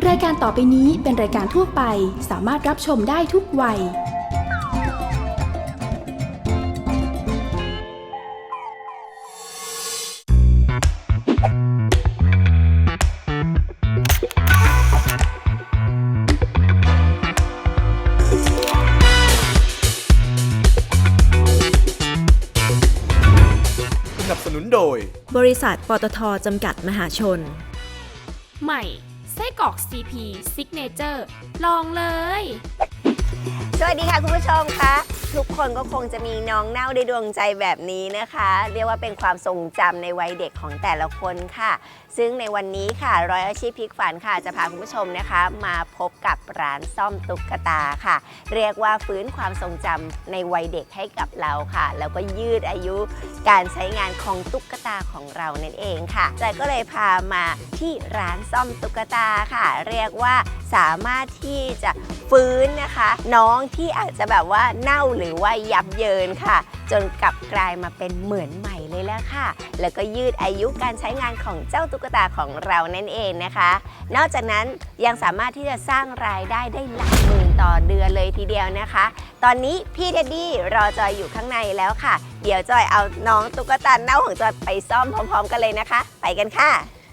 รายการต่อไปนี้เป็นรายการทั่วไปสามารถรับชมได้ทุกวัยสนับสนุนโดยบริษัทปตท.จำกัดมหาชนใหม่ไส้กรอก CP Signature ลองเลยสวัสดีค่ะคุณผู้ชมคะทุกคนก็คงจะมีน้องเน่าในดวงใจแบบนี้นะคะเรียกว่าเป็นความทรงจำในวัยเด็กของแต่ละคนค่ะซึ่งในวันนี้ค่ะร้อยอาชีพพลิกฝันค่ะจะพาคุณผู้ชมนะคะมาพบกับร้านซ่อมตุ๊กตาค่ะเรียกว่าฟื้นความทรงจำในวัยเด็กให้กับเราค่ะแล้วก็ยืดอายุการใช้งานของตุ๊กตาของเรานั่นเองค่ะจอยก็เลยพามาที่ร้านซ่อมตุ๊กตาค่ะเรียกว่าสามารถที่จะฟื้นนะคะน้องที่อาจจะแบบว่าเน่าหรือว่ายับเยินค่ะจนกลับกลายมาเป็นเหมือนใหม่เลยแล้วค่ะแล้วก็ยืดอายุการใช้งานของเจ้าตุ๊กตาของเรานั่นเองนะคะนอกจากนั้นยังสามารถที่จะสร้างรายได้ได้หลักหมื่นต่อเดือนเลยทีเดียวนะคะตอนนี้พี่เท็ดดี้รอจอยอยู่ข้างในแล้วค่ะเดี๋ยวจอยเอาน้องตุ๊กตาเน่าของจอยไปซ่อมพร้อมๆกันเลยนะคะไปกันค่ะ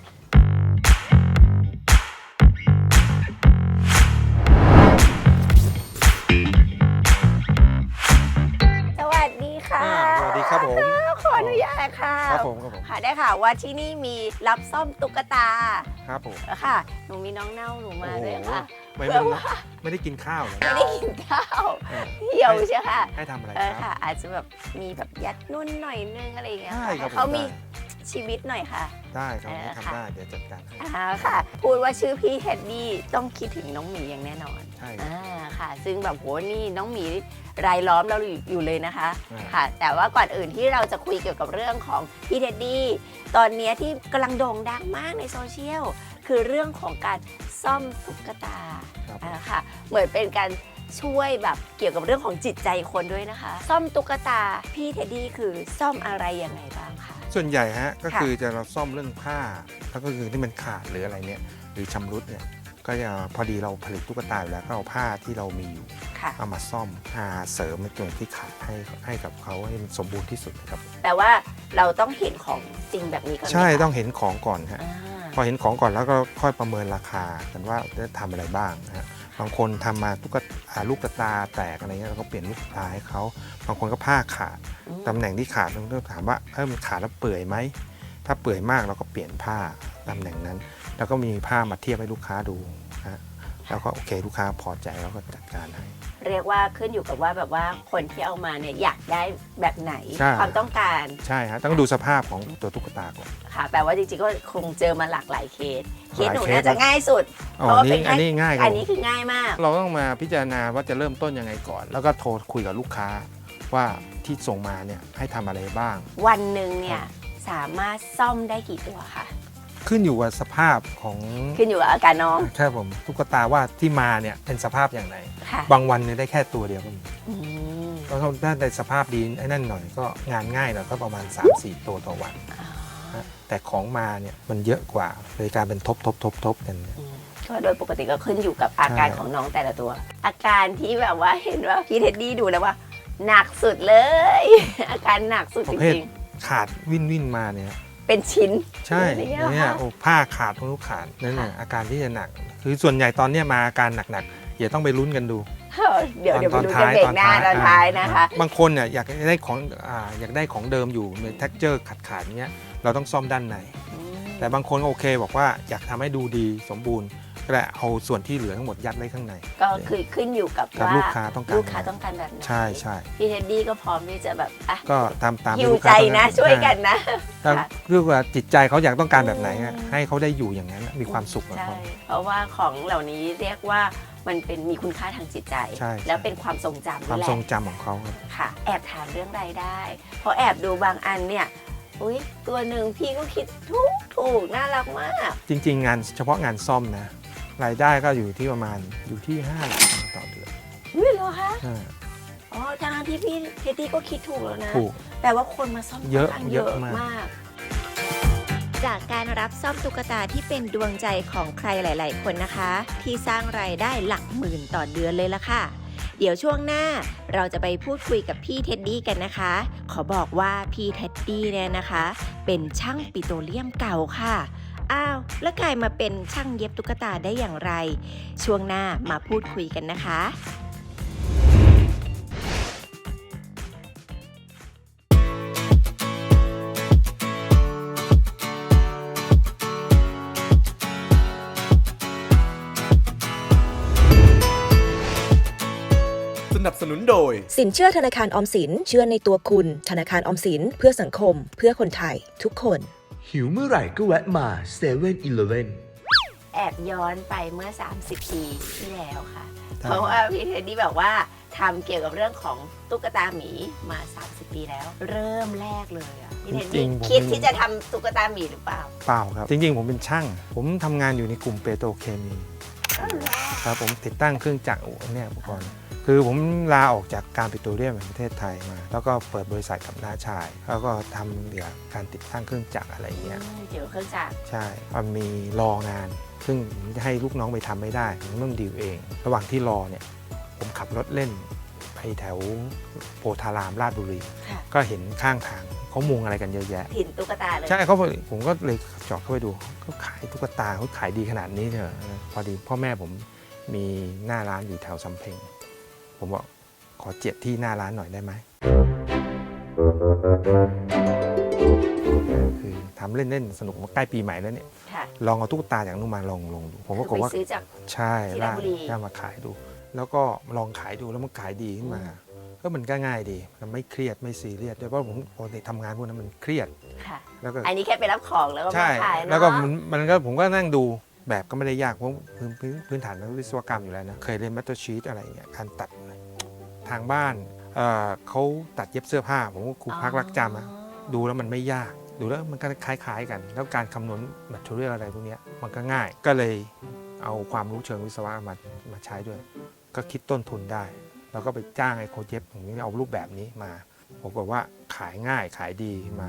สวัสดีครับผมขออนุญาตค่ะครับผมค่ะได้ค่ะว่าที่นี่มีรับซ่อมตุ๊กตาครับผมค่ะหนูมีน้องเน่าหนูมาด้วยค่ะไม่ได้กินข้าวเลยไม่ได้กินข้าวเหี่ยวใช่ค่ะให้ทำอะไรค่ะอาจจะแบบมีแบบยัดนุ่นหน่อยนึงอะไรอย่างเงี้ยให้เขามีชีวิตหน่อยค่ะได้ครับทำได้เดี๋ยวจัดการให้ค่ะพูดว่าชื่อพี่เท็ดดี้ต้องคิดถึงน้องหมีอย่างแน่นอนใช่ค่ะซึ่งแบบโหนี่น้องหมีรายล้อมเราอยู่เลยนะคะค่ะแต่ว่าก่อนอื่นที่เราจะคุยเกี่ยวกับเรื่องของพี่เท็ดดี้ตอนนี้ที่กำลังโด่งดังมากในโซเชียลคือเรื่องของการซ่อมตุ๊กตาค่ะเหมือนเป็นการช่วยแบบเกี่ยวกับเรื่องของจิตใจคนด้วยนะคะซ่อมตุ๊กตาพี่เท็ดดี้คือซ่อมอะไรยังไงบ้างคะส่วนใหญ่ฮะก็คือจะเราซ่อมเรื่องผ้าแล้วก็คือที่มันขาดหรืออะไรเนี่ยหรือชำรุดเนี่ยก็จะพอดีเราผลิตตุ๊กตาอยู่แล้วก็เอาผ้าที่เรามีอยู่เอามาซ่อมเสริมในตัวที่ขาดให้กับเขาให้มันสมบูรณ์ที่สุดครับแต่ว่าเราต้องเห็นของจริงแบบนี้ก่อนใช่ต้องเห็นของก่อนฮะพอเห็นของก่อนแล้วก็ค่อยประเมินราคากันว่าจะทำอะไรบ้างนะฮะบางคนทำมาลูกตาแตกอะไรเงี้ยเราก็เปลี่ยนลูกตาให้เขาบางคนก็ผ้าขาดตำแหน่งที่ขาดเราต้องถามว่ามันขาดแล้วเปื่อยไหมถ้าเปื่อยมากเราก็เปลี่ยนผ้าตำแหน่งนั้นแล้วก็มีผ้ามาเทียบให้ลูกค้าดูนะแล้วก็โอเคลูกค้าพอใจแล้วก็จัดการให้เรียกว่าขึ้นอยู่กับว่าแบบว่าคนที่เอามาเนี่ยอยากได้แบบไหนความต้องการใช่ฮะต้องดูสภาพของตัวตุ๊กตาก่อนค่ะแต่ว่าจริงๆก็คงเจอมาหลากหลายเคสหนูน่าจะง่ายสุดเพราะว่าอันนี้ง่ายอันนี้คือง่ายมากเราต้องมาพิจารณาว่าจะเริ่มต้นยังไงก่อนแล้วก็โทรคุยกับลูกค้าว่าที่ส่งมาเนี่ยให้ทำอะไรบ้างวันหนึ่งเนี่ยสามารถซ่อมได้กี่ตัวคะขึ้นอยู่กับสภาพของขึ้นอยู่กับอาการน้องใช่ผมตุ๊กตาว่าที่มาเนี่ยเป็นสภาพอย่างไรบางวันเนี่ยได้แค่ตัวเดียวก็มีแล้วถ้าในสภาพดีไอ้นั่นหน่อยก็งานง่ายหน่อยก็ประมาณ 3-4 ตัวต่อวันแต่ของมาเนี่ยมันเยอะกว่าเลยการเป็นทบกันก็โดยปกติก็ขึ้นอยู่กับอาการของน้องแต่ละตัวอาการที่แบบว่าเห็นว่าพี่เท็ดดี้ดูแล้วว่าหนักสุดเลยอาการหนักสุดจริงๆขาดวิ่นมาเนี่ยเป็นชิ้นใช่เนี่ยผ้าขาดทุกขาดนั่นแหละอาการที่จะหนักคือส่วนใหญ่ตอนนี้มาอาการหนักๆอย่าต้องไปลุ้นกันดูเดี๋ยวไปดูกันเบรกหน้าตอนท้ายนะคะบางคนเนี่ยอยากได้ของเดิมอยู่ในเท็กเจอร์ขาดๆเงี้ยเราต้องซ่อมด้านในแต่บางคนโอเคบอกว่าอยากทำให้ดูดีสมบูรณ์ก็ได้เอาส่วนที่เหลือทั้งหมดยัดไว้ข้างในก็คือขึ้นอยู่กับว่าลูกค้าต้องการแบบไหนใช่พี่เท็ดดี้ก็พร้อมที่จะแบบก็ตามหิวใจนะช่วยกันนะเรื่องว่าจิตใจเขาอยากต้องการแบบไหนให้เขาได้อยู่อย่างนั้นมีความสุขกับเขาเพราะว่าของเหล่านี้เรียกว่ามันเป็นมีคุณค่าทางจิตใจแล้วเป็นความทรงจำความทรงจำของเขาค่ะแอบถามเรื่องรายได้เพราะแอบดูบางอันเนี่ยตัวหนึ่งพี่ก็คิดถูกน่ารักมากจริงๆงานเฉพาะงานซ่อมนะรายได้ก็อยู่ที่ประมาณ5 หลักต่อเดือนเหรอคะทางที่พี่เท็ดดี้ก็คิดถูกแล้วนะถูกแต่ว่าคนมาซ่อมเยอะมากจากการรับซ่อมตุ๊กตาที่เป็นดวงใจของใครหลาย ๆ คนนะคะ ที่สร้างรายได้หลักหมื่นต่อเดือนเลยล่ะค่ะ เดี๋ยวช่วงหน้าเราจะไปพูดคุยกับพี่เท็ดดี้กันนะคะ ขอบอกว่าพี่เท็ดดี้เนี่ยนะคะ เป็นช่างปิโตรเลียมเก่าค่ะอ้าวแล้วกลายมาเป็นช่างเย็บตุ๊กตาได้อย่างไร ช่วงหน้ามาพูดคุยกันนะคะสนับสนุนโดยสินเชื่อธนาคารออมสินเชื่อในตัวคุณ ธนาคารออมสินเพื่อสังคม เพื่อคนไทย ทุกคนหิวเมื่อไหร่ก็แวะมา7-Eleven แอบย้อนไปเมื่อ 30 ปีที่แล้วค่ะใช่เพราะว่าพี่เท็ดดี้บอกว่าทำเกี่ยวกับเรื่องของตุ๊กตาหมีมา 30 ปีแล้ว เริ่มแรกเลยอ่ะพี่เท็ดจริดี้งๆผมคิดที่จะทำตุ๊กตาหมีหรือเปล่าเปล่าครับ จริงๆผมเป็นช่าง ผมทำงานอยู่ในกลุ่มเปโตรเคมีครับผมติดตั้งเครื่องจักรเนี่ยอุปกรณ์คือผมลาออกจากการปิโตรเลียมแห่งประเทศไทยมา แล้วก็เปิดบริษัทกับน้าชาย แล้วก็ทำเกี่ยวกับการติดตั้งเครื่องจักรอะไรเงี้ยเกี่ยวกับเครื่องจักรใช่มันมีรองาน ซึ่งให้ลูกน้องไปทำไม่ได้ผมต้องดีลเอง ระหว่างที่รอเนี่ยผมขับรถเล่นไปแถวโพธารามราชบุรีค่ะก็เห็นข้างทางเขามุงอะไรกันเยอะแยะถิ่นตุ๊กตาเลยใช่ผมก็เลยจอดเข้าไปดูเขาขายตุ๊กตาเขาขายดีขนาดนี้เหรอพอดีพ่อแม่ผมมีหน้าร้านอยู่แถวสำเพ็งผมบอกขอเจียดที่หน้าร้านหน่อยได้ไหมคือทำเล่นๆสนุกใกล้ปีใหม่แล้วเนี่ยค่ะลองเอาตุ๊กตาอย่างนู้นมาลองดูผมก็คืบอกอไปว่าซื้อจากใช่ที่ราชบุรีได้มาขายดู แล้วก็ลองขายดูแล้วมันขายดีขึ้นมาก็มันก็ง่ายดีมันไม่เครียดไม่ซีเรียสด้วยเพราะผมปกติทำงานพวกนั้นมันเครียดค่ะแล้วก็อันนี้แค่ไปรับของแล้วก็มาใช่ขายเนาะแล้วก็มันก็ผมก็นั่งดูแบบก็ไม่ได้ยากเพราะพื้นฐานนักวิศวกรรมอยู่แล้วนะเคยเรียนมัตเตอร์ชีตอะไรอย่างเงี้ยการตัดทางบ้านเขาตัดเย็บเสื้อผ้าผมก็ครูพักรักจำอะดูแล้วมันไม่ยากดูแล้วมันก็คล้ายๆกัน แล้วการคำนวณแมทเทอเรียลอะไรพวกเนี้ยมันก็ง่ายก็เลยเอาความรู้เชิงวิศวะมาใช้ด้วย ก็คิดต้นทุนได้แล้วก็ไปจ้างไอ้โค้ชเย็บอย่างนี้เอารูปแบบนี้มาผมบอกว่าขายง่ายขายดีมา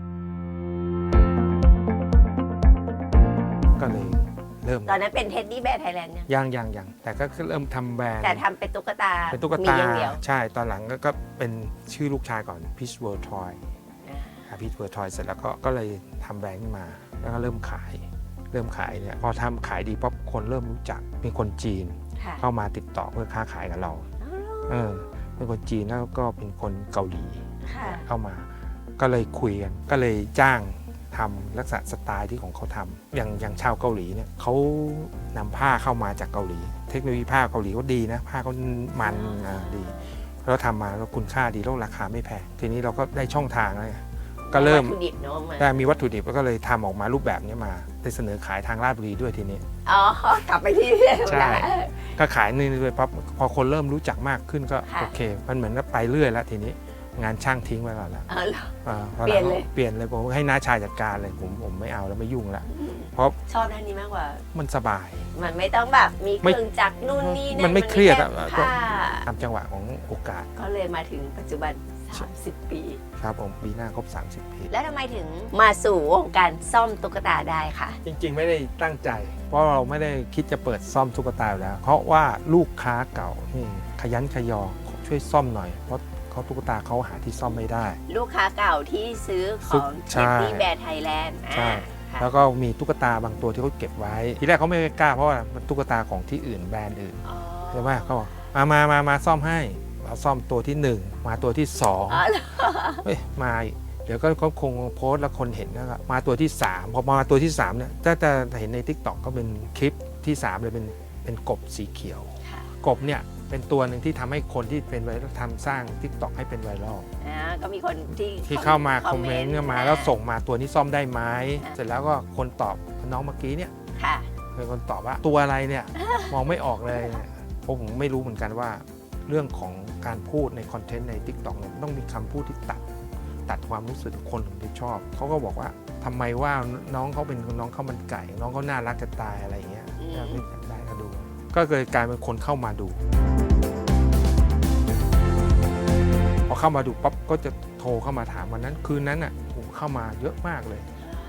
ก็เลยเริ่มตอนนั้นเป็นเท็ดดี้แบร์ไทยแลนด์เนี่ยยังแต่ก็เริ่มทำแบรนด์แต่ทำเป็นตุ๊กตาเป็นตุ๊กมีตาอย่างเดียวใช่ตอนหลังก็เป็นชื่อลูกชายก่อน Peach World Toy Peach World Toy เสร็จแล้วก็เลยทำแบรนด์ขึ้นมาแล้วก็เริ่มขายเนี่ยพอทำขายดีป๊อปคนเริ่มรู้จักมีคนจีนค่ะเข้ามาติดต่อเพื่อค้าขายกับเราเป็นคนจีนแล้วก็เป็นคนเกาหลีค่ะเข้ามาก็เลยคุยกันก็เลยจ้างทำลักษณะสไตล์ที่ของเขาทำอย่างชาวเกาหลีเนี่ยเขานำผ้าเข้ามาจากเกาหลี เทคโนโลยีผ้าเกาหลีก็ดีนะผ้าเขามันดีแล้วทำมาแล้วคุณค่าดีแล้วราคาไม่แพงทีนี้เราก็ได้ช่องทางแล้วไงก็เริ่มวัตถุดิบเนาะมาได้มีวัตถุดิบแล้วก็เลยทำออกมารูปแบบนี้มาได้เสนอขายทางราชบุรีด้วยทีนี้อ๋อกลับไปที่เดิมใช่แล้วก็ขายนี่ด้วยปั๊บพอคนเริ่มรู้จักมากขึ้นก็ค่ะโอเค มันเหมือนกับไปเรื่อยแล้วทีนี้งานช่างทิ้งไว้ก่อนแล้วอ๋อเหรอพอหเปลี่ยนเลยเปลี่ยนเลยผมให้น้าชายจัดการเลยผมไม่เอาแล้วไม่ยุ่งแล้วเพราะชอบด้านนี้มากกว่ามันสบายมันไม่ต้องแบบมีเคไม่รื่องจักรนู่นนี่นั่นมันไม่เครียดแค่อะผ้าตามจังหวะของโอกาสก็เลยมาถึงปัจจุบัน 30 ปีครับผมปีหน้าครบ30 ปีแล้วทำไมถึงมาสู่วงการซ่อมตุ๊กตาได้ค่ะจริงๆไม่ได้ตั้งใจ เพราะเราไม่ได้คิดจะเปิดซ่อมตุ๊กตาอยู่แล้ว เพราะว่าลูกค้าเก่านี่ขยันขยอช่วยซ่อมหน่อยเพราะเขาตุ๊กตาเขาหาที่ซ่อมไม่ได้ลูกค้าเก่าที่ซื้อของใช่เท็ดดี้แบร์ไทยแลนด์ใช่ แล้วก็มีตุ๊กตาบางตัวที่เขาเก็บไว้ ทีแรกเขาไม่กล้าเพราะว่ามันตุ๊กตาของที่อื่นแบรนด์อื่นใช่ไหมเขาบอกมาซ่อมให้เราซ่อมตัวที่ 1 มาตัวที่2เฮ้ยมาอีกเดี๋ยวก็เขาคงโพสต์แล้วคนเห็นแล้วก็มาตัวที่ 3พอมาตัวที่3เนี่ยจะเห็นใน TikTok ก็เป็นคลิปที่ 3 เลยเป็นกบสีเขียวค่ะกบเนี่ยเป็นตัวหนึ่งที่ทำให้คนที่เป็นไวรัลทำสร้าง TikTok ให้เป็นไวรัลก็มีคนที่เข้ามาคอมเมนต์มาแล้วส่งมาตัวนี้ซ่อมได้ไหมอ่าเสร็จแล้วก็คนตอบน้องเมื่อกี้เนี่ยค่ะเป็นคนตอบว่าตัวอะไรเนี่ย มองไม่ออกเลยเพราะผมไม่รู้เหมือนกันว่าเรื่องของการพูดในคอนเทนต์ใน TikTok เนี่ยต้องมีคำพูดที่ตัดความรู้สึกคนถึงจะชอบเขาก็บอกว่าทำไมว่าน้องเขาเป็นน้องข้าวมันไก่ น้องเขาน่ารักจะตายอะไรอย่างเงี้ยอืมไม่ได้ก็ดู ก็เลยกลายเป็นคนเข้ามาดูพอเข้ามาดูปั๊บก็จะโทรเข้ามาถามวันนั้นคืนนั้นอ่ะโอ้โหเข้ามาเยอะมากเลย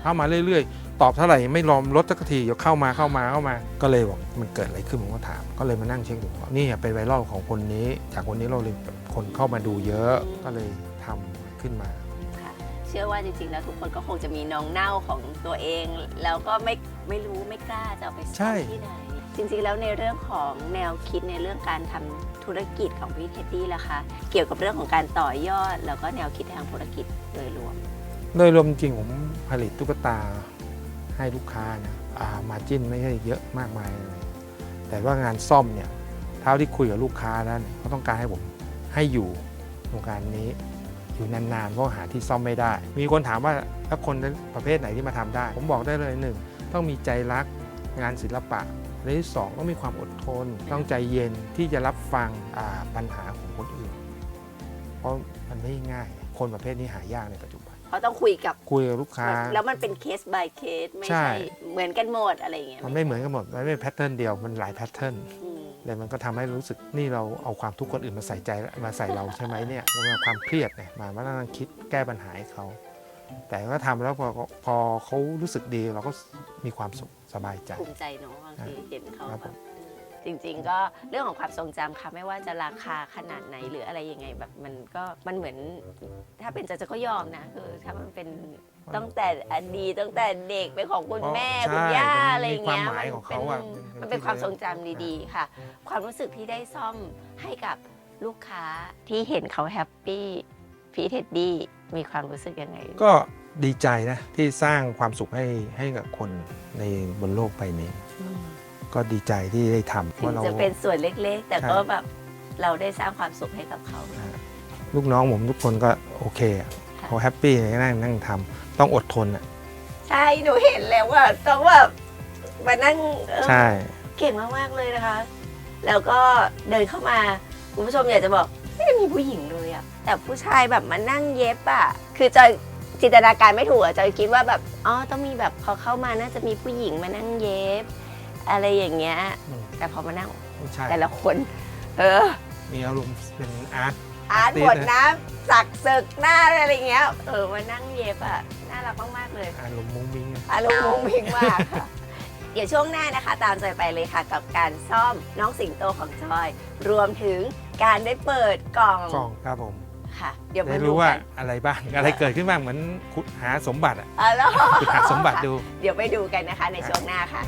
เข้ามาเรื่อยๆตอบเท่าไหร่ไม่ยอมลดสักทีเดี๋ยวเข้ามาก็เลยบอกมันเกิดอะไรขึ้นผมก็ถามก็เลยมานั่งเช็คดูว่านี่เป็นไวรัลของคนนี้จากคนนี้เราเลยคนเข้ามาดูเยอะก็เลยทำขึ้นมาเชื่อว่าจริงๆแล้วทุกคนก็คงจะมีน้องเน่าของตัวเอง แล้วก็ไม่รู้ไม่กล้าจะเอาไปซ่อนที่ไหนจริงๆแล้วในเรื่องของแนวคิดในเรื่องการทำธุรกิจของพี่เท็ดดี้ล่ะคะเกี่ยวกับเรื่องของการต่อยอดแล้วก็แนวคิดทางธุรกิจโดยรวมจริงผมผลิตตุ๊กตาให้ลูกค้านะมาจิ้นไม่ใช่เยอะมากมายเลยแต่ว่างานซ่อมเนี่ยเท่าที่คุยกับลูกค้าแล้วเขาต้องการให้ผมให้อยู่วงการนี้อยู่นานๆเพราะหาที่ซ่อมไม่ได้มีคนถามว่าถ้าคนประเภทไหนที่มาทำได้ผมบอกได้เลย1ต้องมีใจรักงานศิลปะและที่2ต้องมีความอดทนต้องใจเย็นที่จะรับฟังปัญหาของคนอื่นเพราะมันไม่ง่ายคนประเภทนี้หายากในปัจจุบันเขาต้องคุยกับลูกค้าแล้วมันเป็นเคส by เคสไม่ใช่เหมือนกันหมดอะไรอย่างเงี้ยมันไม่เหมือนกันหมดมันไม่แพทเทิร์นเดียวมันหลายแพทเทิร์นเลยมันก็ทำให้รู้สึกนี่เราเอาความทุกข์คนอื่นมาใส่ใจมาใส่เราใช่ไหมเนี่ยมันเป็นความเครียดเนี่ยมานั่งคิดแก้ปัญหาให้เขาแต่ก็ทำแล้วพอเขารู้สึกดีเราก็มีความสุขสบายใจภูมิใจเนาะบางทีเห็นเขาแบบจริงๆก็เรื่องของความทรงจำค่ะไม่ว่าจะราคาขนาดไหนหรืออะไรยังไงแบบมันเหมือนถ้าเป็นจะก็ยอมนะคือถ้ามันเป็นตั้งแต่อดีตตั้งแต่เด็กเป็นของคุณแม่คุณย่าอะไรอย่างเงี้ยมันเป็นความทรงจำดีๆค่ะความรู้สึกที่ได้ซ่อมให้กับลูกค้าที่เห็นเขาแฮปปี้พี่เท็ดดี้มีความรู้สึกยังไงก็ดีใจนะที่สร้างความสุขให้กับคนในบนโลกใบนี้ก็ดีใจที่ได้ทำถึงจะเป็นส่วนเล็กๆแต่ก็แบบเราได้สร้างความสุขให้กับเขาลูกน้องผมทุกคนก็โอเคเขาแฮปปี้นั่งทำต้องอดทนใช่หนูเห็นแล้วว่าต้องแบบมานั่งใช่เก่งมากๆเลยนะคะแล้วก็เดินเข้ามาคุณผู้ชมอยากจะบอกไม่ได้มีผู้หญิงเลยอะแต่ผู้ชายแบบมานั่งเย็บอะคือจอยจินตนาการไม่ถูกอะจอยคิดว่าแบบต้องมีแบบพอเข้ามาน่าจะมีผู้หญิงมานั่งเย็บอะไรอย่างเงี้ยแต่พอมานั่งแต่ละคนมีอารมณ์เป็นอาร์ตบทน้ำสักศึกหน้าอะไรเงี้ยมานั่งเย็บอ่ะน่ารักมากๆเลยอารมณ์มุ้งมิ้งมากค่ะเดี๋ยวช่วงหน้านะคะตามจอยไปเลยค่ะกับการซ่อมน้องสิงโตของจอยรวมถึงการได้เปิดกล่องครับผมค่ะเดี๋ยวมาดูว่าอะไรบ้างอะไรเกิดขึ้นบ้างเหมือนขุดหาสมบัติขุดหาสมบัติดูเดี๋ยวไปดูกันนะคะในช่วงหน้าค่ะ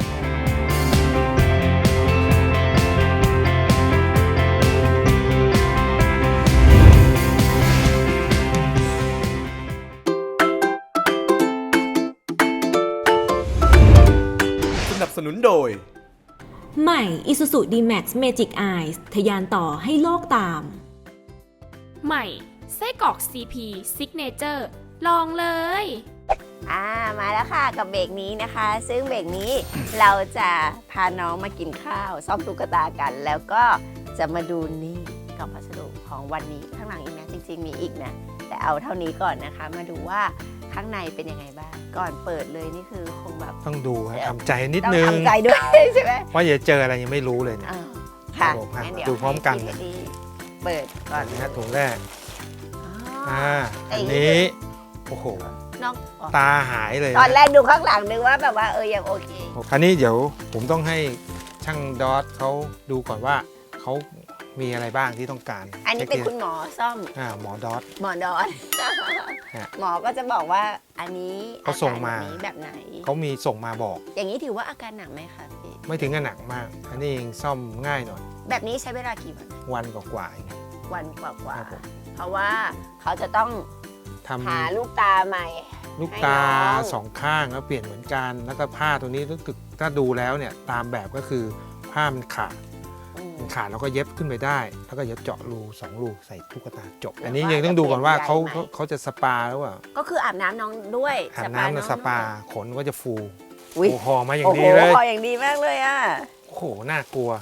สนับสนุนโดยใหม่ Isuzu D-Max Magic Eyes ทะยานต่อให้โลกตามใหม่ไส้กรอก CP Signature ลองเลยมาแล้วค่ะกับเบรกนี้นะคะซึ่งเบรกนี้เราจะพาน้องมากินข้าวซ่อมตุ๊กตากันแล้วก็จะมาดูนี่กล่องพัสดุของวันนี้ข้างหลังอีกนะจริงๆมีอีกนะแต่เอาเท่านี้ก่อนนะคะมาดูว่าข้างในเป็นยังไงบ้างก่อนเปิดเลยนี่คือคงแบบต้องดูทำใจนิดนึงต้องทำใจด้วยใช่ไหมเพราะอย่าเจออะไรยังไม่รู้เลยนะค่ะดูพร้อมกันเปิดก่อนนะถุงแรกอันนี้โอ้โหตาหายเลยตอนแรกดูข้างหลังนึกว่าแบบว่ายังโอเคคราวนี้เดี๋ยวผมต้องให้ช่างดอทเขาดูก่อนว่าเขามีอะไรบ้างที่ต้องการอันนี้เป็นคุณหมอซ่อมหมอดอทหมอก็จะบอกว่าอันนี้เขาส่งมาแบบไหนเขามีส่งมาบอกอย่างนี้ถือว่าอาการหนักไหมคะพี่ไม่ถึงกับหนักมากอันนี้เองซ่อมง่ายหน่อยแบบนี้ใช้เวลากี่วันกว่าเองวันกว่าเพราะว่าเขาจะต้องหาลูกตาใหม่ลูกตาสองข้างแล้วเปลี่ยนเหมือนกันแล้วก็ผ้าตัวนี้ถ้าดูแล้วเนี่ยตามแบบก็คือผ้ามันขาดแล้วก็เย็บขึ้นไปได้แล้วก็เย็บเจาะรู2รูใส่ตุ๊กตาจบอันนี้ยังต้องดูก่อนว่าเขาจะสปาแล้วอ่ะก็คืออาบน้ำน้องด้วยอาบน้ำสปาขนก็จะฟูคอมาอย่างดีเลยคออย่างดีมากเลยอ่ะโอ้โหน่ากลัว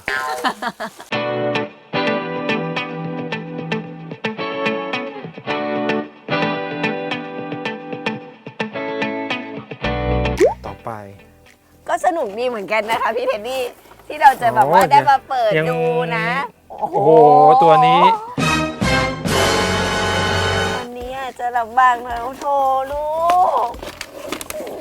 ไปก็สนุกดีเหมือนกันนะคะพี่เท็ดดี้ที่เราจะแบบว่าได้มาเปิดดูนะโอ้โหตัวนี้วันนี้จะลำบากนะโธ่ลูก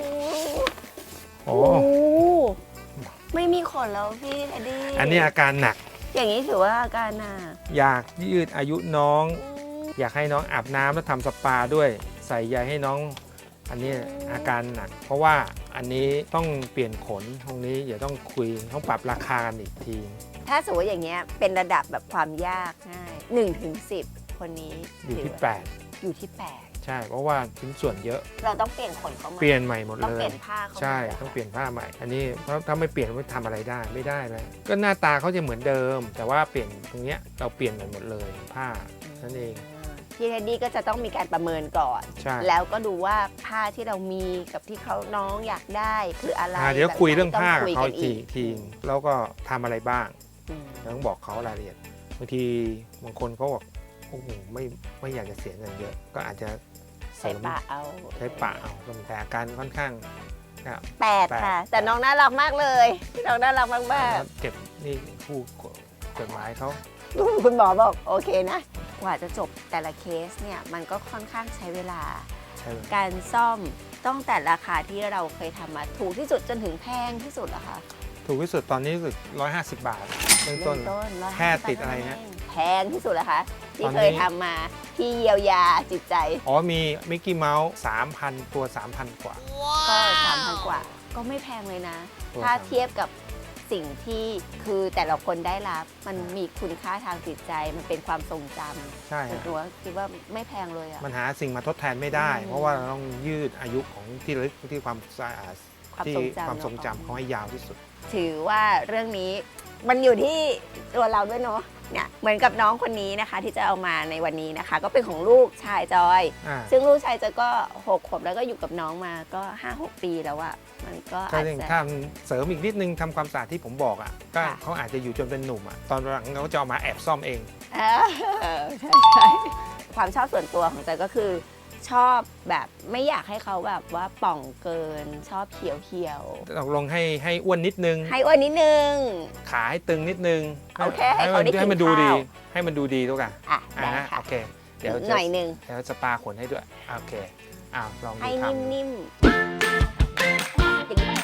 โอ้ไม่มีขนแล้วพี่เท็ดดี้อันนี้อาการหนักอย่างนี้ถือว่าอาการหนักอยากยืดอายุน้อง อยากให้น้องอาบน้ำแล้วทำสปาด้วย ใส่ใยให้น้อง อันนี้อาการหนัก เพราะว่าอันนี้ต้องเปลี่ยนขนตรงนี้อย่าต้องคุยต้องปรับราคากันอีกทีถ้าสมมติอย่างเงี้ยเป็นระดับแบบความยากง่าย1 ถึง 10 คนนี้อยู่ที่ถืว่าอยู่ที่ 8 ใช่ เพราะว่าชิ้นส่วนเยอะ 8 เราต้องเปลี่ยนขนเขาไหมเปลี่ยนใหม่หมดต้องเลเปลี่ยยนผ้าเขาไหมใช่ต้องเปลี่ยนผ้าใหม่ อันนี้เพราะถ้าไม่เปลี่ยนไม่ทำอะไรได้ไม่ได้เลยก็หน้าตาเขาจะเหมือนเดิม แต่ว่าเปลี่ยนตรงเนี้ยเราเปลี่ยนหมดเลยผ้านั่นเองพี่เท็ดดี้ก็จะต้องมีการประเมินก่อนใช่แล้วก็ดูว่าผ้าที่เรามีกับที่เขาน้องอยากได้คืออะไรเดี๋ยวคุยเรื่องผ้าต้กับคุยเขากันอีกทีแล้วก็ทำอะไรบ้างอืมต้องบอกเขารายละเอียดบางทีบางคนเขาบอกโอ้โหไม่อยากจะเสียเงินเยอะก็อาจจะเสใส่ริมปะเอาใช้ปะเอาก็มีแต่อาการค่อนข้างนะ 8 ค่ะ แต่น้องน่ารักมากเลยน้องน่ารักมากเก็บนี่ผู้กฎหมายเขาๆคุณหมอบอกโอเคนะกว่าจะจบแต่ละเคสเนี่ยมันก็ค่อนข้างใช้เวลาใช่ไหมการซ่อมต้องแต่ราคาที่เราเคยทำมาถูกที่สุดจนถึงแพงที่สุดเหรอคะถูกที่สุดตอนนี้รู้สึก150 บาทเริ่มต้น 150 แค่ติดอะไรนะแพงที่สุดเหรอคะที่ตอนนี้เคยทำมาที่เยียวยาจิตใจอ๋อมีมิกกี้เมาส์ 3,000 ตัว 3,000 กว่าก็ 3,000 กว่า ก็ไม่แพงเลยนะตัวถ้า 3,000 เทียบกับสิ่งที่คือแต่ละคนได้รับ มันมีคุณค่าทางจิตใจ มันเป็นความทรงจำใช่ส่วนฮะตัวคิดว่าไม่แพงเลยอะมันหาสิ่งมาทดแทนไม่ได้อืมเพราะว่าเราต้องยืดอายุของที่ระลึกที่ความสะอาดความที่ทรงจำความทรงจำเขาให้ยาวที่สุดถือว่าเรื่องนี้มันอยู่ที่ตัวเราด้วยเนาะเนี่ยเหมือนกับน้องคนนี้นะคะ ที่จะเอามาในวันนี้นะคะ ก็เป็นของลูกชายจอยอ่าซึ่งลูกชายจอยก็6 ขวบแล้วก็อยู่กับน้องมาก็ 5-6 ปีแล้วอะมันก็ก็อาจเรื่องจะถ้าเสริมอีกนิดนึงทำความสะอาดที่ผมบอกอ่ะก็ค่ะเขาอาจจะอยู่จนเป็นหนุ่มอ่ะตอนหลังเขาจะเอามาแอบซ่อมเองใช่ใช่ความชอบส่วนตัวของจอยก็คือ ชอบแบบไม่อยากให้เขาแบบว่าป่องเกินชอบเขียวตกลงให้อ้วนนิดนึงๆให้อ้วนนิดนึงขาให้ตึงนิดนึงโอเคให้เขาได้กินให้มันดูดีข้าวให้มันดูดีทุกอย่างอ่ะได้ค่ะโอเคเดี๋ยวหน่อยหนึ่งเดี๋ยวสปาขนให้ด้วยโอเคลองดูให้ทำนิ่มๆอย่างนี้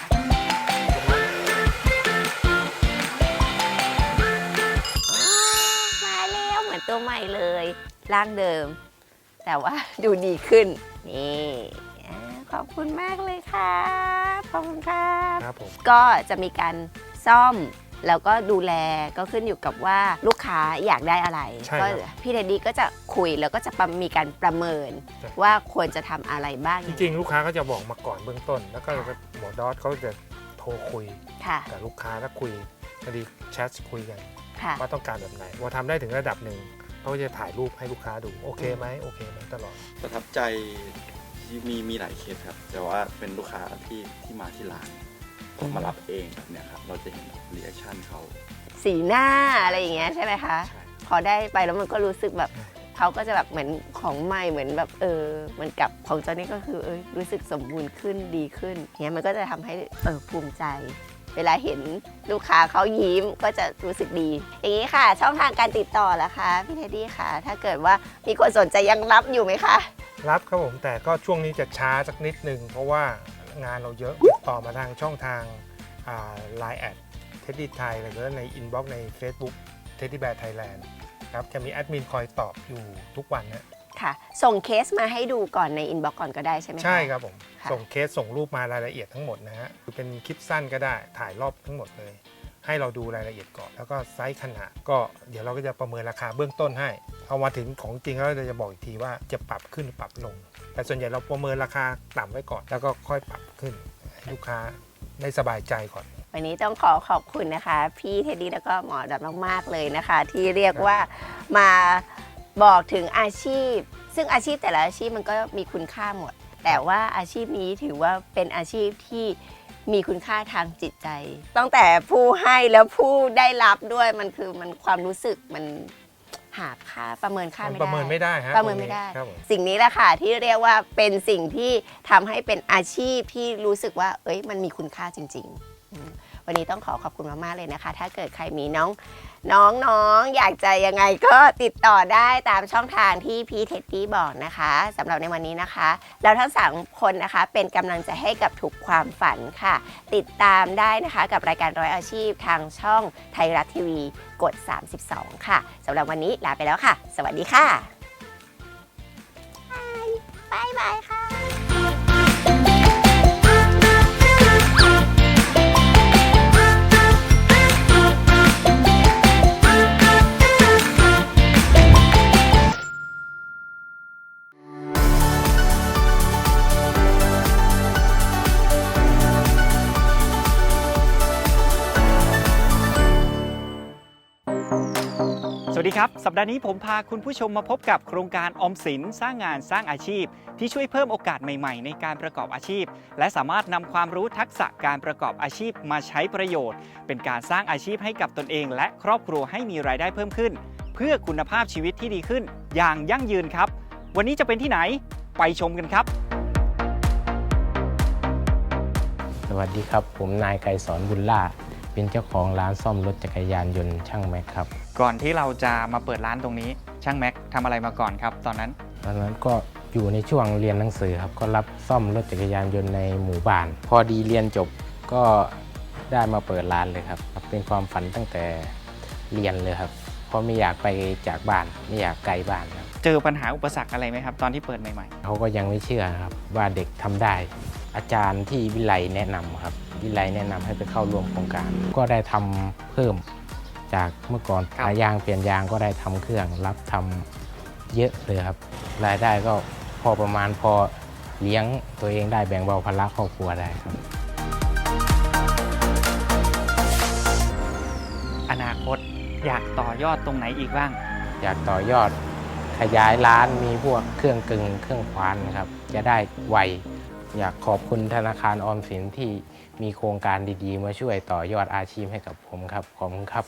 มาแล้วเหมือนตัวใหม่เลยร่างเดิม แต่ว่าดูดีขึ้น นี่ขอบคุณมากเลยครับขอบคุณครับครับผมก็จะมีการซ่อมแล้วก็ดูแลก็ขึ้นอยู่กับว่าลูกค้าอยากได้อะไรใช่ก็ครับพี่เดดดี้ก็จะคุยแล้วก็จะมีการประเมินใช่ว่าควรจะทำอะไรบ้างจริงๆ ลูกค้าก็จะบอกมาก่อนเบื้องต้น แล้วก็หมอดอสเขาจะโทรคุยค่ะกับลูกค้าแล้วคุยพอดีแชทคุยกันค่ะว่าต้องการแบบไหนพอทำได้ถึงระดับหนึ่งเขาก็จะถ่ายรูปให้ลูกค้าดูโอเคไหมโอเคไหมตลอดประทับใจที่มีหลายเคสครับ แต่ว่าเป็นลูกค้าที่มาที่ร้านมารับเองแบบเนี้ยครับ เราจะเห็นรีแอคชั่นเขาสีหน้าอะไรอย่างเงี้ยใช่ไหมคะใช่พอได้ไปแล้วมันก็รู้สึกแบบใช่เขาก็จะแบบเหมือนของใหม่เหมือนแบบเหมือนกับของจอนี่ก็คือรู้สึกสมบูรณ์ขึ้นดีขึ้นเงี้ยมันก็จะทำให้ภูมิใจ เวลาเห็นลูกค้าเขายิ้มก็จะรู้สึกดี อย่างนี้ค่ะ ช่องทางการติดต่อล่ะคะพี่เทดดี้ค่ะ ถ้าเกิดว่ามีคนสนใจยังรับอยู่ไหมคะรับครับผมแต่ก็ช่วงนี้จะช้าสักนิดนึงเพราะว่างานเราเยอะติดต่อมาทางช่องทางLine แอดเท็ดดี้ไทยหรือว่าในอินบ็อกซ์ใน Facebook เท็ดดี้แบร์ไทยแลนด์ครับจะมีแอดมินคอยตอบอยู่ทุกวันนะค่ะ ส่งเคสมาให้ดูก่อนในอินบ็อกซ์ก่อนก็ได้ใช่ไหมคะใช่ครับผมค่ะส่งเคสส่งรูปมารายละเอียดทั้งหมดนะฮะคือเป็นคลิปสั้นก็ได้ถ่ายรอบทั้งหมดเลย ให้เราดูรายละเอียดก่อน แล้วก็ไซส์ขนาดก็เดี๋ยวเราก็จะประเมินราคาเบื้องต้นให้พอมาถึงของจริงแล้วเราจะบอกอีกทีว่าจะปรับขึ้นหรือปรับลง แต่ส่วนใหญ่เราประเมินราคาต่ำไว้ก่อน แล้วก็ค่อยปรับขึ้นให้ลูกค้าได้สบายใจก่อนวันนี้ต้องขอบคุณนะคะ พี่เทดดี้แล้วก็หมอดับมากๆเลยนะคะ ที่เรียกว่ามาบอกถึงอาชีพ ซึ่งอาชีพแต่ละอาชีพมันก็มีคุณค่าหมด แต่ว่าอาชีพนี้ถือว่าเป็นอาชีพที่มีคุณค่าทางจิตใจตั้งแต่ผู้ให้แล้วผู้ได้รับด้วยมันความรู้สึกมันหาค่าประเมินค่าไม่ได้ประเมินไม่ได้ฮะประเมินไม่ได้ครับผมสิ่งนี้แหละค่ะที่เรียกว่าเป็นสิ่งที่ทำให้เป็นอาชีพที่รู้สึกว่ามันมีคุณค่าจริงวันนี้ต้องขอบคุณมากๆเลยนะคะ ถ้าเกิดใครมีน้องอยากจะยังไงก็ติดต่อได้ตามช่องทางที่พี่เท็ดดี้บอกนะคะสำหรับในวันนี้นะคะเราทั้ง3คนนะคะเป็นกำลังใจให้กับทุกความฝันค่ะติดตามได้นะคะกับรายการร้อยอาชีพทางช่องไทยรัฐทีวีกด32ค่ะสำหรับวันนี้ลาไปแล้วค่ะสวัสดีค่ะบ๊ายบายค่ะสวัสดีครับสัปดาห์นี้ผมพาคุณผู้ชมมาพบกับโครงการออมสินสร้างงานสร้างอาชีพที่ช่วยเพิ่มโอกาสใหม่ๆในการประกอบอาชีพและสามารถนำความรู้ทักษะการประกอบอาชีพมาใช้ประโยชน์เป็นการสร้างอาชีพให้กับตนเองและครอบครัวให้มีรายได้เพิ่มขึ้นเพื่อคุณภาพชีวิตที่ดีขึ้นอย่างยั่งยืนครับวันนี้จะเป็นที่ไหนไปชมกันครับสวัสดีครับผมนายไกรสอนบุญล่าเป็นเจ้าของร้านซ่อมรถจักรยานยนต์ช่างแม็กครับก่อนที่เราจะมาเปิดร้านตรงนี้ช่างแม็กทำอะไรมาก่อนครับตอนนั้นก็อยู่ในช่วงเรียนหนังสือครับก็รับซ่อมรถจักรยานยนต์ในหมู่บ้านพอดีเรียนจบก็ได้มาเปิดร้านเลยครับเป็นความฝันตั้งแต่เรียนเลยครับเพราะไม่อยากไปจากบ้านไม่อยากไกลบ้านครับเจอปัญหาอุปสรรคอะไรไหมครับตอนที่เปิดใหม่ๆเขาก็ยังไม่เชื่อครับว่าเด็กทำได้อาจารย์ที่วิไลแนะนำครับวิไลแนะนำให้ไปเข้าร่วมโครงการก็ได้ทำเพิ่มจากเมื่อก่อนขายยางเปลี่ยนยางก็ได้ทำเครื่องรับทำเยอะเลยครับรายได้ก็พอประมาณพอเลี้ยงตัวเองได้แบ่งเบาภาระครอบครัวได้ครับอนาคตอยากต่อยอดตรงไหนอีกบ้างอยากต่อยอดขยายร้านมีพวกเครื่องกึ่งเครื่องควานครับจะได้ไวอยากขอบคุณธนาคารออมสินที่มีโครงการดีๆมาช่วยต่อยอดอาชีพให้กับผมครับขอบคุณครับ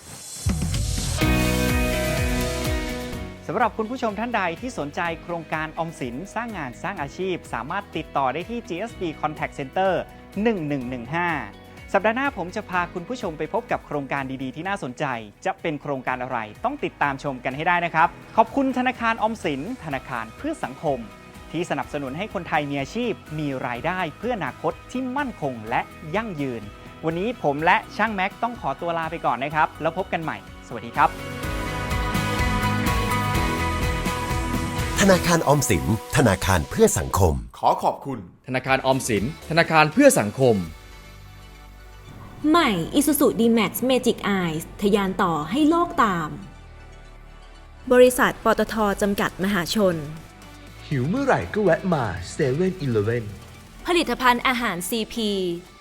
สำหรับคุณผู้ชมท่านใดที่สนใจโครงการออมสินสร้างงานสร้างอาชีพสามารถติดต่อได้ที่ GSB Contact Center 1115 สัปดาห์หน้าผมจะพาคุณผู้ชมไปพบกับโครงการดีๆที่น่าสนใจจะเป็นโครงการอะไรต้องติดตามชมกันให้ได้นะครับขอบคุณธนาคารออมสินธนาคารเพื่อสังคมที่สนับสนุนให้คนไทยมีอาชีพมีรายได้เพื่ออนาคตที่มั่นคงและยั่งยืนวันนี้ผมและช่างแม็กต้องขอตัวลาไปก่อนนะครับแล้วพบกันใหม่สวัสดีครับธนาคารออมสินธนาคารเพื่อสังคมขอขอบคุณธนาคารออมสินธนาคารเพื่อสังคมใหม่ Isuzu D-Max Magic Eyes ทะยานต่อให้โลกตามบริษัทปตท.จำกัดมหาชนหิวเมื่อไหร่ก็แวะมา7-Eleven ผลิตภัณฑ์อาหาร CP